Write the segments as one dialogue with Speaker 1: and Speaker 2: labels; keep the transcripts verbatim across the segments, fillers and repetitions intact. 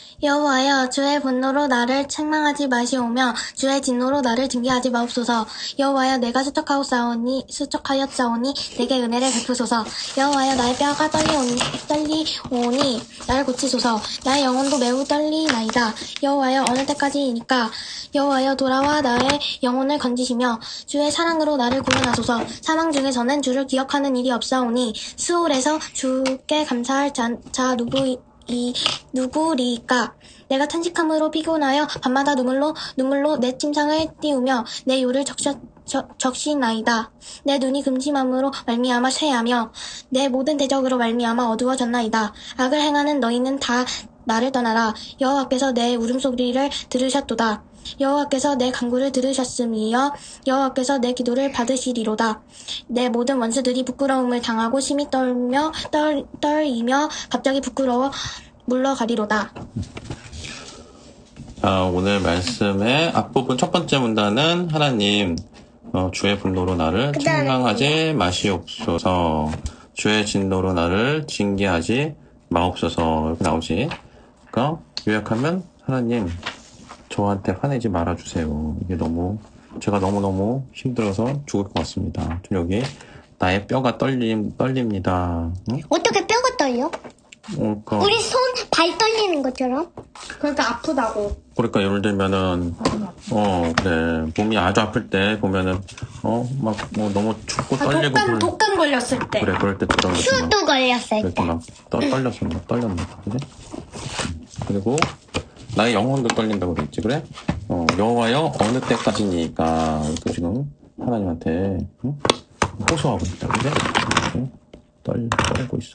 Speaker 1: 여호와여, 주의 분노로 나를 책망하지 마시오며 주의 진노로 나를 징계하지 마옵소서. 여호와여, 내가 수척하였사오니 수척하였사오니 내게 은혜를 베푸소서. 여호와여, 나의 뼈가 떨리오니 떨리오니 나를 고치소서. 나의 영혼도 매우 떨리나이다. 여호와여, 어느 때까지이니까? 여호와여, 돌아와 나의 영혼을 건지시며 주의 사랑으로 나를 구원하소서. 사망 중에서는 주를 기억하는 일이 없사오니 스올에서 주께 감사할 자, 자 누구 이 누구리까? 내가 탄식함으로 피곤하여 밤마다 눈물로 눈물로 내 침상을 띄우며 내 요를 적셔, 적, 적시나이다. 내 눈이 금심함으로 말미암아 쇠하며 내 모든 대적으로 말미암아 어두워졌나이다. 악을 행하는 너희는 다 나를 떠나라. 여호와께서 내 울음소리를 들으셨도다. 여호와께서 내 간구를 들으셨음이여 여호와께서 내 기도를 받으시리로다. 내 모든 원수들이 부끄러움을 당하고 심히 떨며 떨, 떨이며 갑자기 부끄러워 물러가리로다.
Speaker 2: 자, 오늘 말씀의 앞부분 첫 번째 문단은 하나님 어, 주의 분노로 나를 책망하지 마시옵소서. 주의 진노로 나를 징계하지 마옵소서. 이렇게 나오지. 그러니까 요약하면 하나님 저한테 화내지 말아주세요. 이게 너무 제가 너무너무 힘들어서 죽을 것 같습니다. 여기 나의 뼈가 떨림, 떨립니다. 응?
Speaker 3: 어떻게 뼈가 떨려?
Speaker 2: 어, 그러니까,
Speaker 3: 우리 손, 발 떨리는 것처럼?
Speaker 1: 그러니까 아프다고.
Speaker 2: 그러니까 예를 들면은 어 그래 몸이 아주 아플 때 보면은 어 막 뭐 너무 춥고
Speaker 1: 아,
Speaker 2: 떨리고
Speaker 1: 독감,
Speaker 2: 그럴-
Speaker 1: 독감 걸렸을 때.
Speaker 2: 그래 그럴 때 그런 거지 막
Speaker 3: 수도 걸렸을
Speaker 2: 이렇게
Speaker 3: 때.
Speaker 2: 막 떠, 떨렸어 막 떨렸나 봐 그래? 음, 그리고 나의 영혼도 떨린다고 그랬지 그래? 어 여호와여 어느 때까지니까 이렇게 지금 하나님한테 응? 호소하고 있다 그래? 이렇게 떨 떨고 있어.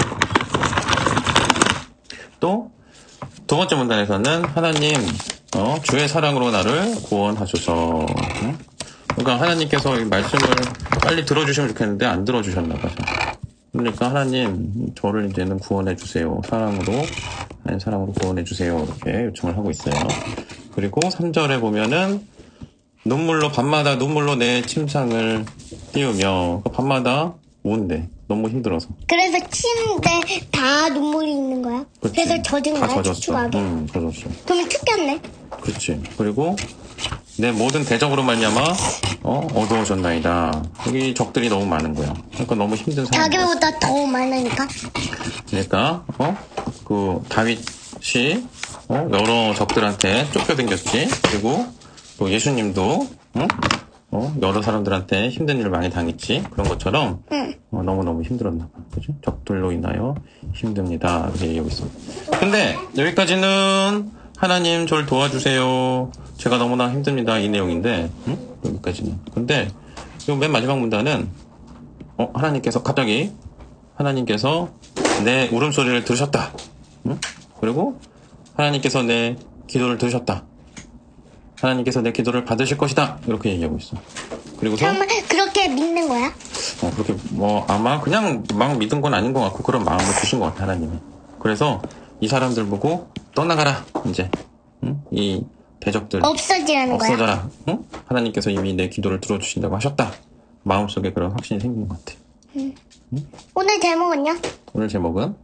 Speaker 2: 또 두 번째 문단에서는 하나님 어, 주의 사랑으로 나를 구원하소서. 응? 그러니까 하나님께서 이 말씀을 빨리 들어주시면 좋겠는데 안 들어주셨나 봐요. 그러니까 하나님 저를 이제는 구원해 주세요. 사랑으로 하나님 사랑으로 구원해 주세요. 이렇게 요청을 하고 있어요. 그리고 삼 절에 보면은 눈물로 밤마다 눈물로 내 침상을 띄우며 밤마다 뭔데 너무 힘들어서.
Speaker 3: 그래서 침대 다 눈물이 있는 거야?
Speaker 2: 그치.
Speaker 3: 그래서 젖은
Speaker 2: 다
Speaker 3: 거야?
Speaker 2: 젖었어.
Speaker 3: 축축하게?
Speaker 2: 응, 젖었어.
Speaker 3: 그러면 춥겠네?
Speaker 2: 그렇지. 그리고 내 모든 대적으로 말미암아 어, 어두워졌나이다. 여기 적들이 너무 많은 거야. 그러니까 너무 힘든 상황.
Speaker 3: 자기보다 더 많으니까?
Speaker 2: 그러니까 어, 그 다윗이 어, 여러 적들한테 쫓겨댕겼지. 그리고 또 예수님도 어? 어, 여러 사람들한테 힘든 일을 많이 당했지. 그런 것처럼
Speaker 3: 응.
Speaker 2: 어, 너무너무 힘들었나 봐. 그죠? 적들로 인하여 힘듭니다. 이렇게 얘기하고 있어. 근데 여기까지는 하나님 저를 도와주세요. 제가 너무나 힘듭니다. 이 내용인데 응? 여기까지는. 근데 요 맨 마지막 문단은 어, 하나님께서 갑자기 하나님께서 내 울음소리를 들으셨다. 응? 그리고 하나님께서 내 기도를 들으셨다. 하나님께서 내 기도를 받으실 것이다. 이렇게 얘기하고 있어. 그리고서
Speaker 3: 정말 그렇게 믿는 거야?
Speaker 2: 어, 그렇게 뭐 아마 그냥 막 믿은 건 아닌 것 같고 그런 마음을 주신 것 같아 하나님이. 그래서 이 사람들 보고 떠나가라 이제 응? 이 대적들
Speaker 3: 없어지라는 거야?
Speaker 2: 없어져라. 응? 하나님께서 이미 내 기도를 들어주신다고 하셨다. 마음속에 그런 확신이 생긴 것 같아.
Speaker 3: 오늘 제목은요?
Speaker 2: 오늘 제목은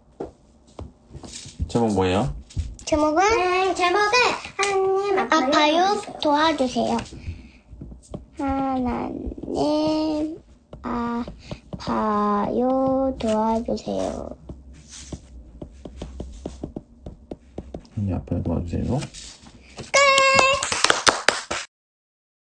Speaker 2: 제목 뭐예요?
Speaker 3: 제목은? 음, 제목은 하나님 아파요 도와주세요. 하나님 아파요 도와주세요.
Speaker 2: 하나님 앞에 도와주세요.